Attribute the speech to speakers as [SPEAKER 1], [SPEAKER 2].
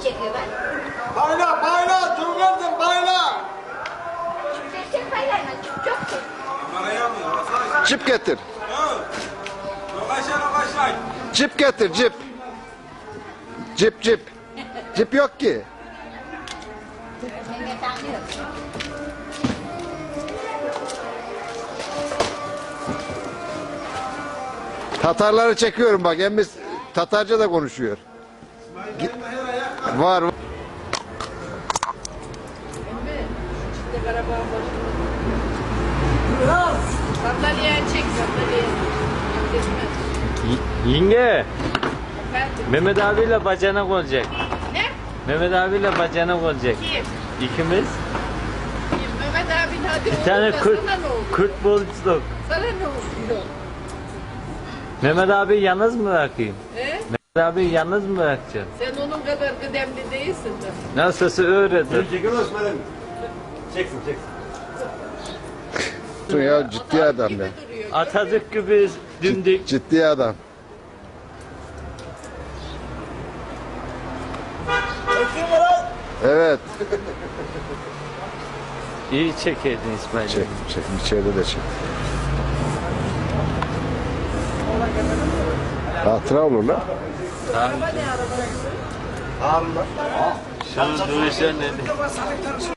[SPEAKER 1] çekiyor ben.
[SPEAKER 2] Bayla bayla Turgut'um bayla.
[SPEAKER 1] Çek paylarına çok çek.
[SPEAKER 3] Cip getir.
[SPEAKER 2] Rokaşay.
[SPEAKER 3] Cip getir cip. Cip cip. Cip yok ki.
[SPEAKER 1] Mehmet anlıyor.
[SPEAKER 3] Tatarları çekiyorum bak. Emmiz Tatarca da konuşuyor. Var.
[SPEAKER 4] Sandalyeye çek sandalyeye.
[SPEAKER 5] Yenge,
[SPEAKER 4] Efendim?
[SPEAKER 5] Mehmet abiyle bacanak olacak.
[SPEAKER 4] Ne?
[SPEAKER 5] Mehmet abiyle bacanak olacak.
[SPEAKER 4] Kim?
[SPEAKER 5] İkimiz.
[SPEAKER 4] Kim? Mehmet abin hadi
[SPEAKER 5] Bir tane
[SPEAKER 4] oğlum da
[SPEAKER 5] Kürt,
[SPEAKER 4] sana ne oldu?
[SPEAKER 5] Kürt buluştuk.
[SPEAKER 4] Sana ne oldu?
[SPEAKER 5] Mehmet abi yalnız mı bırakayım?
[SPEAKER 4] He?
[SPEAKER 5] Mehmet abi yalnız mı bırakacaksın?
[SPEAKER 4] Sen onun kadar kıdemli değilsin de.
[SPEAKER 5] Nasılsa öğretir.
[SPEAKER 2] Çeksin çeksin.
[SPEAKER 3] Ya ciddi adam ya.
[SPEAKER 4] Duruyor.
[SPEAKER 5] Atatürk gibi dimdik.
[SPEAKER 3] Ciddi adam. Evet.
[SPEAKER 5] İyi çekedin İsmail.
[SPEAKER 3] Çek, çek. İçeride de çek. Hatıra olur lan.
[SPEAKER 5] Şu duruşa ne?